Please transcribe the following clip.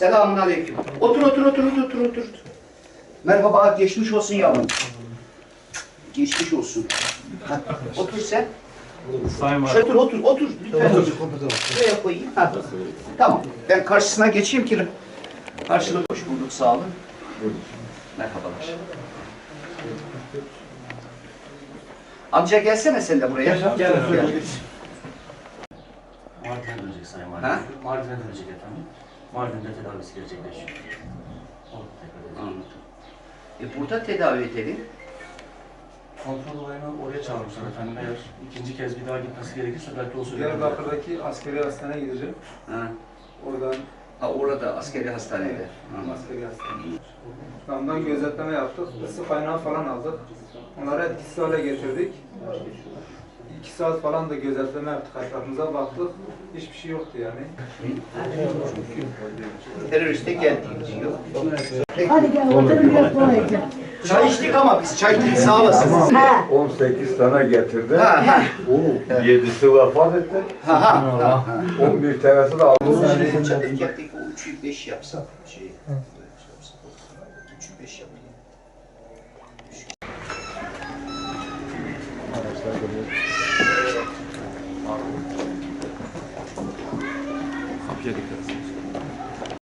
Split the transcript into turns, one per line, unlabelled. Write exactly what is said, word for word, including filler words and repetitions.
Selamun aleyküm. Otur, otur, otur, otur, otur, otur. Merhaba, geçmiş olsun yavrum. Geçmiş olsun. Ha, otur sen.
Sayın
Şöyle otur, otur, otur. Lütfen otur. Şuraya koyayım. Ha. Tamam, ben karşısına geçeyim ki... Karşılık hoş bulduk, sağ olun. Merhabalar. Amca gelsene sen de buraya.
Gel. Gel.
Mardin'e dönecek Sayın Valim.
Ha?
Mardin'e dönecek efendim. Mardin'de tedavisi gerçekleşiyor. Orada tekrar edecek.
Anladım. E burada tedavi edelim.
Kontrol olayını oraya çağırmışlar efendim. Eğer ikinci kez bir daha gitmesi gerekirse belki o sürede...
Diyarbakır'daki askeri hastaneye gideceğim.
Ha.
Oradan
Ha, orada askeri hastanede. Anladım.
askeri hastaneye. Ondan gözetleme yaptık. Isı kaynağı falan aldık. Onları etkisiz hale getirdik. İki saat falan da gözetleme yaptık. Etrafımıza baktık. Hiçbir şey yoktu yani.
Teröriste geldiği diyor.
Hadi gel oturun biraz kolayca.
Çay içtik ama biz çay içtik, sağ olasın.
Ha.
on sekiz tane getirdi.
Ha ha.
O yedisi vefat etti.
Ha ha.
on bir tanesi de aldı.
Erkekteki o üçü beş yapsak şey. Üçü beş yapayım.
Kapıya dikkat.